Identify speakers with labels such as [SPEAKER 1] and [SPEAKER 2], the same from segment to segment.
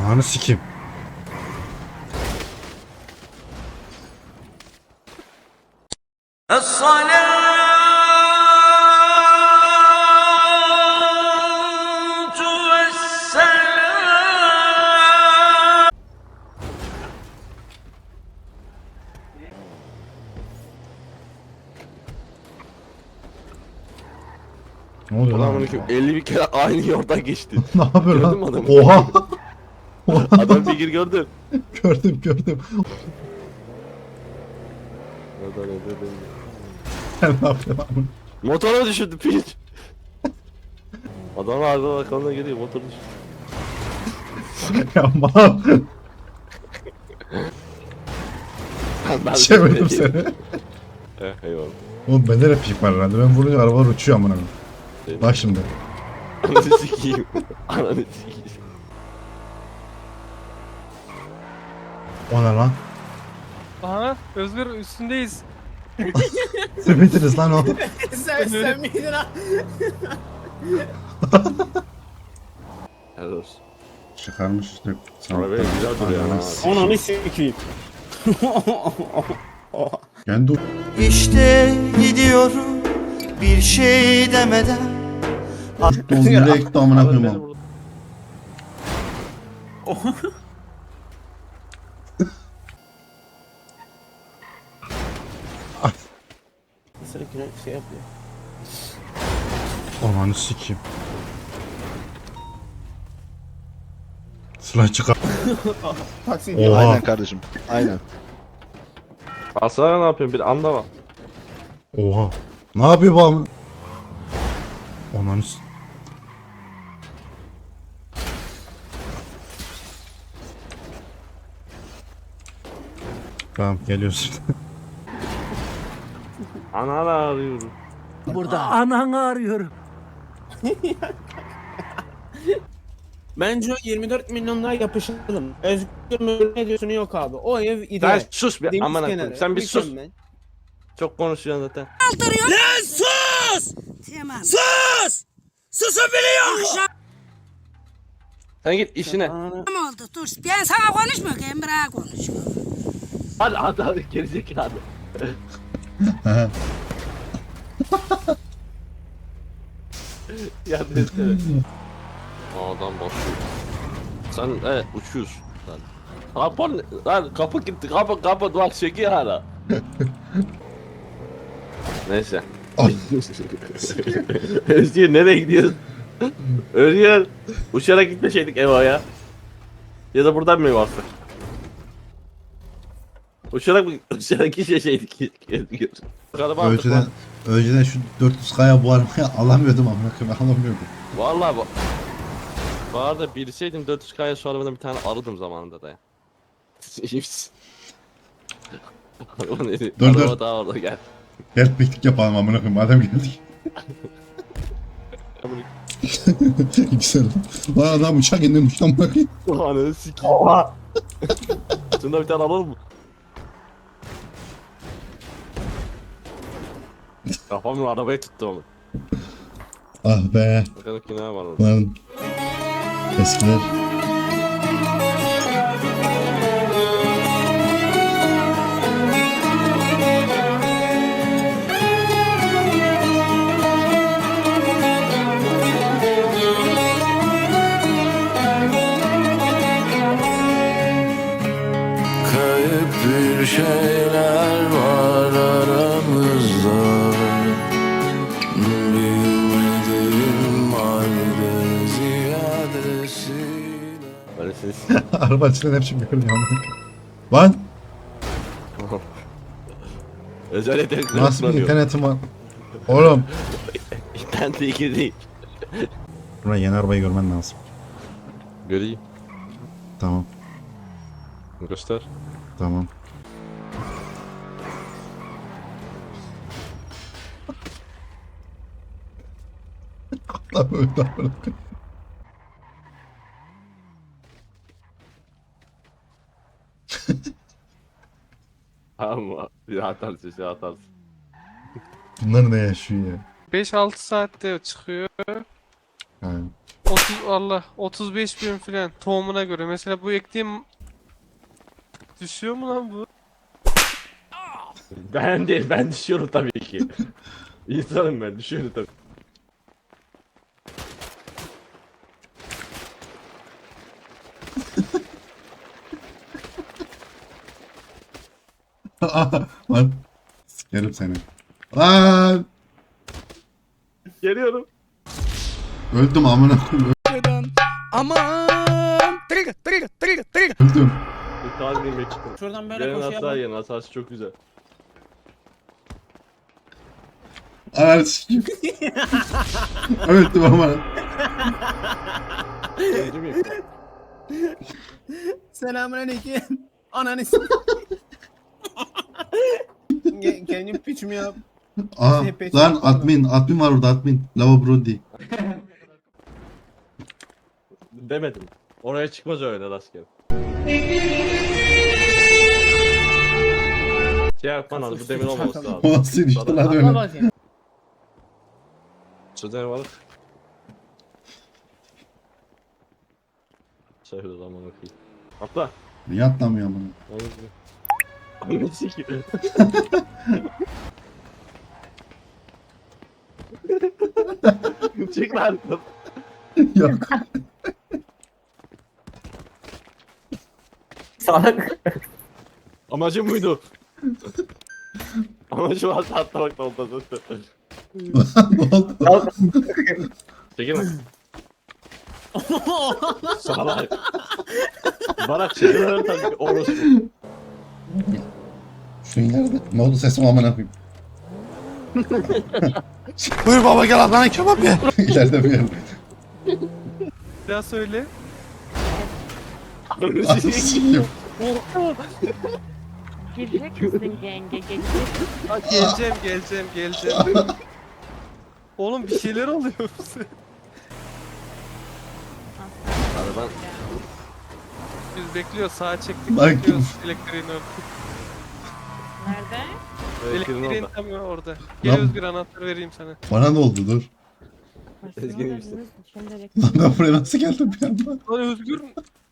[SPEAKER 1] Ananı sikeyim. Ne oluyor lan?
[SPEAKER 2] Adamın 50 bir kere aynı yoldan geçti.
[SPEAKER 1] Ne yapıyor
[SPEAKER 2] Gördün
[SPEAKER 1] lan?
[SPEAKER 2] mü adamı?
[SPEAKER 1] Oha!
[SPEAKER 2] Adam figür gördün.
[SPEAKER 1] Gördüm. Sen ne yapıyorsun lan?
[SPEAKER 2] Motora düşürdü piç. Adam arada bakalına geliyor motor düşürdü.
[SPEAKER 1] Ya mal.
[SPEAKER 2] Ben
[SPEAKER 1] Çevirdim seni.
[SPEAKER 2] Eyvallah.
[SPEAKER 1] Oğlum bende de pik var herhalde. Ben vurunca arabalar uçuyor amına koyayım. Bak şimdi.
[SPEAKER 2] Ananı sikeyim. Ananı sikeyim.
[SPEAKER 1] O ne lan?
[SPEAKER 3] Aha Özgür üstündeyiz.
[SPEAKER 1] Sepetiniz lan o.
[SPEAKER 4] Sen miydin ha?
[SPEAKER 2] Helal olsun.
[SPEAKER 1] Çıkarmış işte.
[SPEAKER 2] Arabaya güzel duruyor ha.
[SPEAKER 4] Ananı sikeyim.
[SPEAKER 1] Kendi
[SPEAKER 5] İşte gidiyorum bir şey demeden.
[SPEAKER 1] Dolu direkt amına koyayım.
[SPEAKER 4] Sürekli şey yapıyor.
[SPEAKER 1] Ananı sikeyim. Silah çıkar.
[SPEAKER 4] Taksi.
[SPEAKER 1] Oha.
[SPEAKER 6] Aynen kardeşim. Aynen.
[SPEAKER 2] Aslan ne yapıyorsun? Bir anda bak.
[SPEAKER 1] Oha. Ne yapıyor bu amına? Ananı s- Tamam geliyorsun.
[SPEAKER 2] Ananı arıyorum.
[SPEAKER 4] Bence o 24 milyonluğa yapışalım. Özgür ne diyorsun yok abi. O ev
[SPEAKER 2] Sen
[SPEAKER 4] ideal.
[SPEAKER 2] sus be
[SPEAKER 4] Deniz
[SPEAKER 2] amına
[SPEAKER 4] kenarı,
[SPEAKER 2] koyayım. Sen bir sus.
[SPEAKER 4] mükemmel.
[SPEAKER 2] Çok konuşuyorsun zaten.
[SPEAKER 7] Tamam.
[SPEAKER 2] Sen git işine.
[SPEAKER 4] Ananı-
[SPEAKER 7] Tamam oldu dur. Ben sana konuşmuyorum. Emrah'a konuşuyorum.
[SPEAKER 2] Hadi gerizekalı. Yardım etsene. Adam basıyor. Sen uçuyorsun. Lan kapı gitti kapı bak çekiyor hala. Neyse.
[SPEAKER 1] Ay.
[SPEAKER 2] Özgür nereye gidiyorsun? Özgür uçarak gitmeseydik Eva'ya. Ya da buradan mı varsa? Uçarak gitmeseydik Özgür. Bakalım artık
[SPEAKER 1] Önceden,
[SPEAKER 2] lan.
[SPEAKER 1] önceden şu 400K'ya bu arabayı alamıyordum amına koyayım. Alamıyordum.
[SPEAKER 2] Vallahi bu arada bilseydim 400K'ya şu arabadan bir tane alırdım zamanında da ya. Araba neydi?
[SPEAKER 1] Dur,
[SPEAKER 2] Araba
[SPEAKER 1] dur.
[SPEAKER 2] daha orada gel.
[SPEAKER 1] Gel piknik yapalım amına koyayım. Madem geldik. Güzel. Lan adam uçak indi uçtan bakayım.
[SPEAKER 2] Ananı sikeyim. Oha. Şunda bir tane alalım mı? Kafamın arabaya tuttu onu.
[SPEAKER 1] Ah be.
[SPEAKER 2] Bakalım ki ne var orada.
[SPEAKER 1] Lan. Eskiler.
[SPEAKER 5] Kayıp bir şeyler var aramızda. Bilmediğim halde ziyadesiyle.
[SPEAKER 2] Böyle ses.
[SPEAKER 1] Araba içinden hep şimdi görünüyor amına koyayım. Lan.
[SPEAKER 2] Özel yetenekler
[SPEAKER 1] Nasıl bir
[SPEAKER 2] kullanıyor.
[SPEAKER 1] internetim var? Oğlum.
[SPEAKER 2] İnternet ilgili değil.
[SPEAKER 1] Buraya yeni arabayı görmen lazım.
[SPEAKER 2] Göreyim.
[SPEAKER 1] Tamam.
[SPEAKER 2] Göster.
[SPEAKER 1] Tamam. Lan böyle amına koyayım.
[SPEAKER 2] Ama bir atarsın şey atarsın.
[SPEAKER 1] Bunlar ne yaşıyor ya?
[SPEAKER 3] 5-6 saatte çıkıyor.
[SPEAKER 1] Yani
[SPEAKER 3] 35 bin falan tohumuna göre. Mesela bu ektiğim düşüyor mu lan bu?
[SPEAKER 2] Ben değil, ben düşüyorum tabii ki. İnsanım ben, düşüyorum tabii.
[SPEAKER 1] lan sikerim seni. Lan
[SPEAKER 2] Geliyorum.
[SPEAKER 1] öldüm amına koyayım.
[SPEAKER 4] Aman!
[SPEAKER 1] Öldüm.
[SPEAKER 2] Bir tane yemek çıktım.
[SPEAKER 4] Şuradan böyle
[SPEAKER 2] Benim
[SPEAKER 4] koşuya
[SPEAKER 2] hata
[SPEAKER 4] bak.
[SPEAKER 2] yiyen hatası çok güzel.
[SPEAKER 1] Ananı sikeyim. Öldüm amına.
[SPEAKER 2] Değil mi?
[SPEAKER 4] Selamünaleyküm. Ananı Kendim piçimi yap.
[SPEAKER 1] Aa
[SPEAKER 4] Sepet
[SPEAKER 1] lan
[SPEAKER 4] yapalım.
[SPEAKER 1] admin var orada admin. Lava Brody.
[SPEAKER 2] Demedim. Oraya çıkmaz öyle rastgele. Şey yapman lazım, bu demir olmaması lazım.
[SPEAKER 1] O nasıl işte lan
[SPEAKER 4] Atla
[SPEAKER 1] öyle.
[SPEAKER 4] bakayım.
[SPEAKER 2] Çözer var. Şöyle zaman okuyayım. Atla.
[SPEAKER 1] Niye atlamıyor amına?
[SPEAKER 2] Anne sikiyor. Çık lan.
[SPEAKER 1] Yok.
[SPEAKER 2] Amacım buydu. Amacım asla atlamak da olmaz.
[SPEAKER 1] Ne oldu?
[SPEAKER 2] Çekilme. Salak. Barak çekilme tabii ki orospu.
[SPEAKER 1] Şu ileride. Ne oldu sesim amına koyayım. Buyur baba gel Adana kebap ye. İleride bir yer.
[SPEAKER 3] Bir daha söyle.
[SPEAKER 1] Ananı sikeyim.
[SPEAKER 6] Gelecek misin yenge? Gelecek misin?
[SPEAKER 3] Geleceğim. Oğlum bir şeyler oluyor bize.
[SPEAKER 2] Araban.
[SPEAKER 3] Biz bekliyoruz, sağa çektik,
[SPEAKER 1] Bak.
[SPEAKER 3] bekliyoruz elektriğin orada.
[SPEAKER 6] Nerede?
[SPEAKER 2] Elektriğin
[SPEAKER 3] Elektriğin
[SPEAKER 2] orada.
[SPEAKER 3] tam orada. Gel
[SPEAKER 1] Lan-
[SPEAKER 3] Özgür, anahtarı vereyim sana.
[SPEAKER 1] Bana ne oldu dur.
[SPEAKER 2] Ezgi iyi misin?
[SPEAKER 1] Lan ben buraya nasıl geldim bir anda?
[SPEAKER 3] Lan Özgür,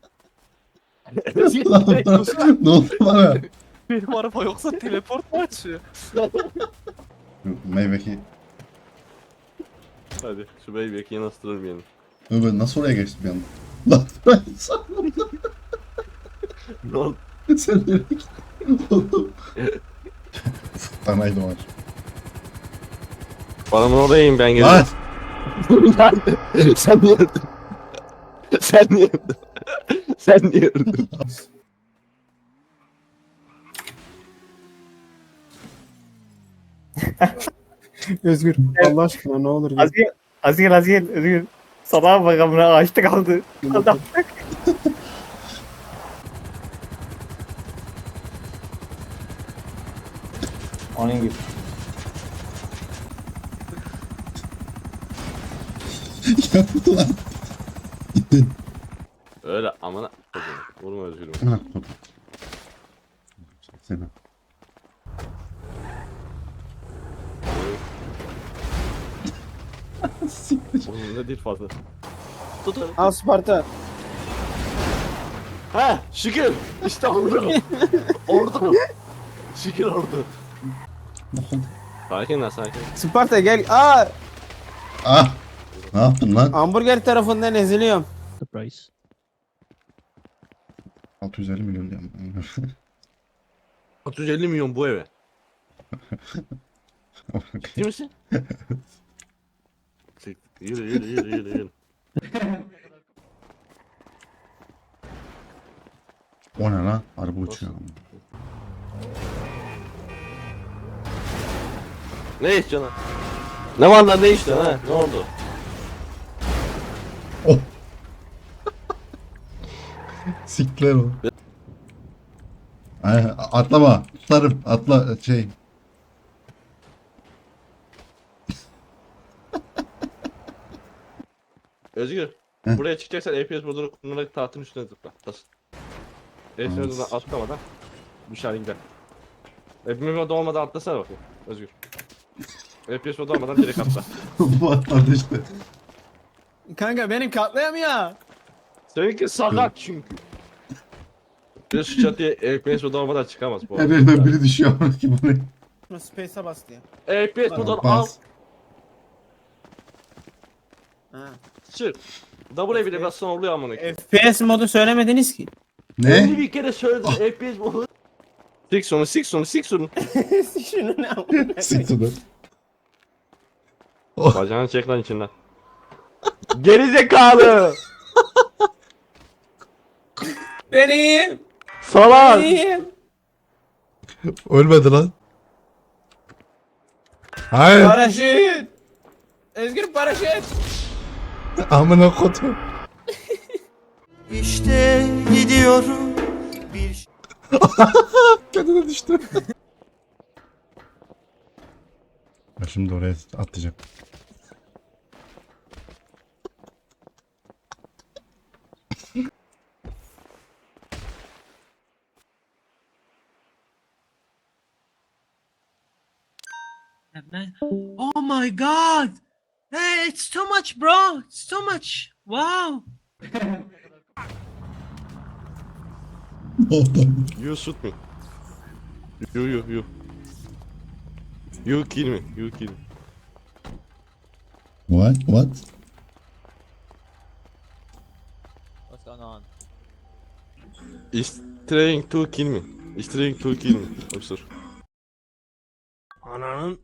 [SPEAKER 1] Lan ne oldu bana?
[SPEAKER 3] benim araba yoksa teleport mu açıyor?
[SPEAKER 1] Meyveki.
[SPEAKER 2] Hadi şu beybeki yanaştırır bir yerini.
[SPEAKER 1] Ben nasıl oraya geçtim bir anda? Lan ben sandım.
[SPEAKER 2] Ne oldu?
[SPEAKER 1] Sen nereye gittin? Oğlum. Tanaydım var.
[SPEAKER 2] Paramın orayayım ben
[SPEAKER 1] Lan!
[SPEAKER 2] geliyorum. Sen niye öldün? Sen niye öldün? Sen niye öldün?
[SPEAKER 4] Özgür Allah aşkına ne olur.
[SPEAKER 8] Azgın Özgür. Sabah bakamına açtı kaldı. Adam. Onun gibi.
[SPEAKER 1] Yaptı lan. Gittin.
[SPEAKER 2] Öyle amına. Vurma özgürüm.
[SPEAKER 1] Ha, dur. Seni. Siktir.
[SPEAKER 2] Oğlum ne değil fazla. Tut hadi.
[SPEAKER 4] Al Sparta.
[SPEAKER 2] Ha şükür. İşte ordu. Ordu. Şükür ordu.
[SPEAKER 1] Ne oldu?
[SPEAKER 2] Sakin lan sakin.
[SPEAKER 4] Sparta gel. Aa,
[SPEAKER 1] Ah! Ne yaptın lan?
[SPEAKER 4] hamburger tarafından eziliyorum.
[SPEAKER 1] 650 milyon diyorum.
[SPEAKER 2] 650 milyon bu eve. Ciddi misin? Yürü.
[SPEAKER 1] O ne lan? Araba uçuyor.
[SPEAKER 2] Ne istiyorsun lan? Ne var lan ne istiyorsun ha? Ne oldu?
[SPEAKER 1] Oh! Sikler o. Ay, atlama. Tutarım. Atla şey.
[SPEAKER 2] Özgür.
[SPEAKER 1] Hı.
[SPEAKER 2] Buraya çıkacaksan FPS modunu kullanarak tahtın üstüne zıpla. Bas. FPS
[SPEAKER 1] Tamam.
[SPEAKER 2] modunu atlamadan dışarı gider. FPS modu olmadan atlasana bakayım. Özgür. FPS modu olmadan direkt atla.
[SPEAKER 1] Bu atladı işte.
[SPEAKER 4] Kanka benim katlayamıyor.
[SPEAKER 2] Seninki sakat çünkü. Bir şu çatıya FPS modu olmadan çıkamaz bu
[SPEAKER 1] Her
[SPEAKER 2] arada.
[SPEAKER 1] yerden biri düşüyor amına ki bu ne?
[SPEAKER 4] Space'e bas diye.
[SPEAKER 2] FPS modu al.
[SPEAKER 1] Bas.
[SPEAKER 4] Ha.
[SPEAKER 2] Çık. W bile bassan oluyor amına koyayım.
[SPEAKER 4] FPS modu söylemediniz ki.
[SPEAKER 1] Ne?
[SPEAKER 2] 50 bir kere söyledim FPS modu. Sik sonu sik sonu sik sonu.
[SPEAKER 4] Şunu ne amına
[SPEAKER 1] Siktir.
[SPEAKER 2] Bacağını çek lan içinden. Geri zekalı.
[SPEAKER 4] Benim.
[SPEAKER 2] Salak.
[SPEAKER 4] Benim.
[SPEAKER 1] Ölmedi lan. Hayır.
[SPEAKER 4] Paraşüt. Özgür paraşüt.
[SPEAKER 1] Amına kodum.
[SPEAKER 5] İşte gidiyorum bir
[SPEAKER 1] Kendine düştü. Ben şimdi oraya atlayacağım.
[SPEAKER 9] Oh my god! Hey, it's too much, bro! It's too much! Wow!
[SPEAKER 2] You shoot me. You. You kill me. You kill me.
[SPEAKER 1] What? What?
[SPEAKER 9] What's going on?
[SPEAKER 2] He's trying to kill me. He's trying to kill me. Officer.
[SPEAKER 4] Ananın.